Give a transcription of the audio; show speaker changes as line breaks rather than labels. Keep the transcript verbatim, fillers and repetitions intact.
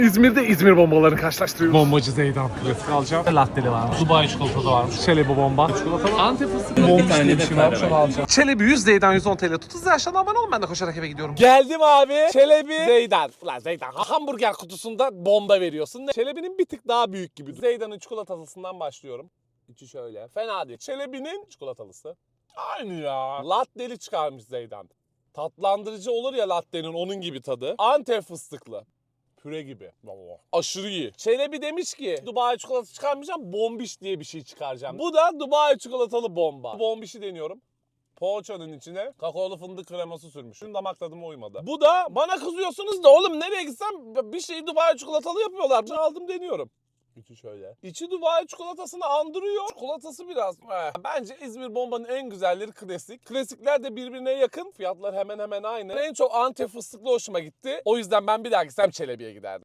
İzmir'de İzmir bombalarını karşılaştırıyoruz.
Bombacı Zeydan. Klasik alacağım. Latteli varmış. Dubai çikolatası varmış. Çelebi bomba. Çikolata Antep fıstıklı bomba diye bir şey varmış. Onu alacağım. Çelebi yüz Zeydan yüz on T L. Tut hızlı aşağıdan abone olun. Ben de koşarak eve gidiyorum.
Geldim abi. Çelebi Zeydan. Ulan Zeydan hamburger kutusunda bomba veriyorsun. Çelebi'nin bir tık daha büyük gibi. Zeydan'ın çikolatalısından başlıyorum. İçi şöyle. Fena değil. Çelebi'nin çikolatalısı. Aynı ya. Latteli çıkarmış Zeydan. Tatlandırıcı olur ya latte'nin, onun gibi tadı. Antep fıstıklı. Püre gibi. Vallahi. Aşırı iyi. Çelebi demiş ki Dubai çikolatası çıkarmayacağım, bombiş diye bir şey çıkaracağım. Bu da Dubai çikolatalı bomba. Bombişi deniyorum. Poğaçanın içine kakaolu fındık kreması sürmüş. Benim damak tadıma uymadı. Bu da bana kızıyorsunuz da oğlum nereye gitsem bir şeyi Dubai çikolatalı yapıyorlar. Aldım deniyorum. İçi şöyle. İçi Dubai çikolatasını andırıyor. Çikolatası biraz. Eh. Bence İzmir bombanın en güzelleri klasik. Klasikler de birbirine yakın. Fiyatlar hemen hemen aynı. En çok Antep fıstıklı hoşuma gitti. O yüzden ben bir daha gitsem Çelebi'ye giderdim.